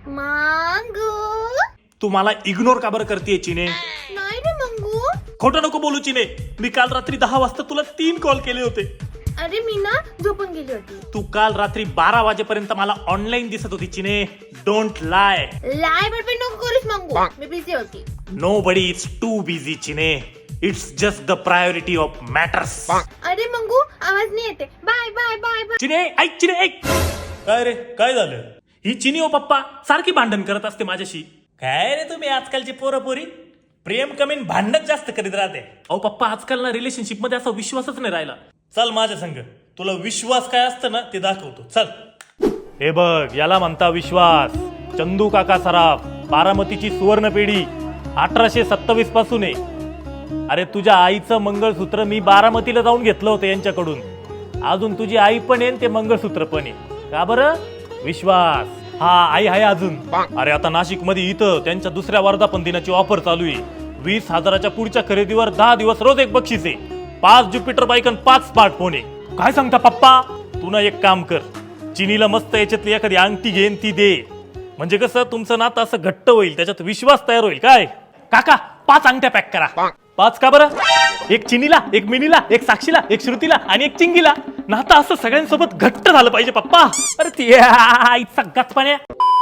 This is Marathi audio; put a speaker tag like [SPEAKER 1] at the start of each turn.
[SPEAKER 1] मंगू
[SPEAKER 2] तू मला इग्नोर का बरं करतेय चिने?
[SPEAKER 1] नाही रे मंगू.
[SPEAKER 2] खोटं नको बोलू चिने. मी काल रात्री 10 वाजता तुला 3 कॉल केले होते.
[SPEAKER 1] अरे मी ना झोपून गेली होती.
[SPEAKER 2] तू काल रात्री 12 वाजेपर्यंत मला ऑनलाईन दिसत होती चिने. डोंट लाय.
[SPEAKER 1] लाय बडबड नको करूस मंगू. मी बिझी होती.
[SPEAKER 2] Nobody is too busy चिने. It's just the priority of matters.
[SPEAKER 1] अरे मंगू आवाज नाही येते. Bye bye bye bye.
[SPEAKER 2] चिने ऐक चिने ऐक. काय रे काय झालं? ही चिनी ओ पप्पा सारखी भांडण करत असते माझ्याशी. काय रे तुम्ही आजकालची पोरपोरी प्रेम कमीन भांडण जास्त करीत राहते. अहो पप्पा आजकाल ना रिलेशनशिप मध्ये असा विश्वासच नाही राहिला. चल माझ्या संग तुला विश्वास काय असतं ना ते दाखवतो. चल. हे बघ याला म्हणता विश्वास. चंदू काका सराफ बारामतीची सुवर्ण पेढी 1827 पासून आहे. अरे तुझ्या आईचं मंगळसूत्र मी बारामतीला जाऊन घेतलं होतं यांच्याकडून. अजून तुझी आई पण आहे ते मंगळसूत्र पण आहे. का बरं? विश्वास. हा आई आहे अजून. अरे आता नाशिक मध्ये इथं त्यांच्या दुसऱ्या वर्धापन दिनाची ऑफर चालू आहे. 20,000च्या पुढच्या खरेदीवर 10 दिवस रोज एक बक्षीस आहे. 5 ज्युपिटर बाईक आणि 5 स्मार्टफोन आहे. काय सांगता पप्पा? तू ना एक काम कर. चिनीला मस्त याच्यातली एखादी अंगठी घेन ती दे. म्हणजे कसं तुमचं नातं असं घट्ट होईल. त्याच्यात विश्वास तयार होईल. काय काका 5 अंगठ्या पॅक करा. 5 का बरं? एक चिनीला, एक मिनीला, एक साक्षीला, एक श्रुतीला आणि एक चिंगीला. नातं असं सगळ्यांसोबत घट्ट झालं पाहिजे पप्पा. अरे ती आईचा गचपाण्या.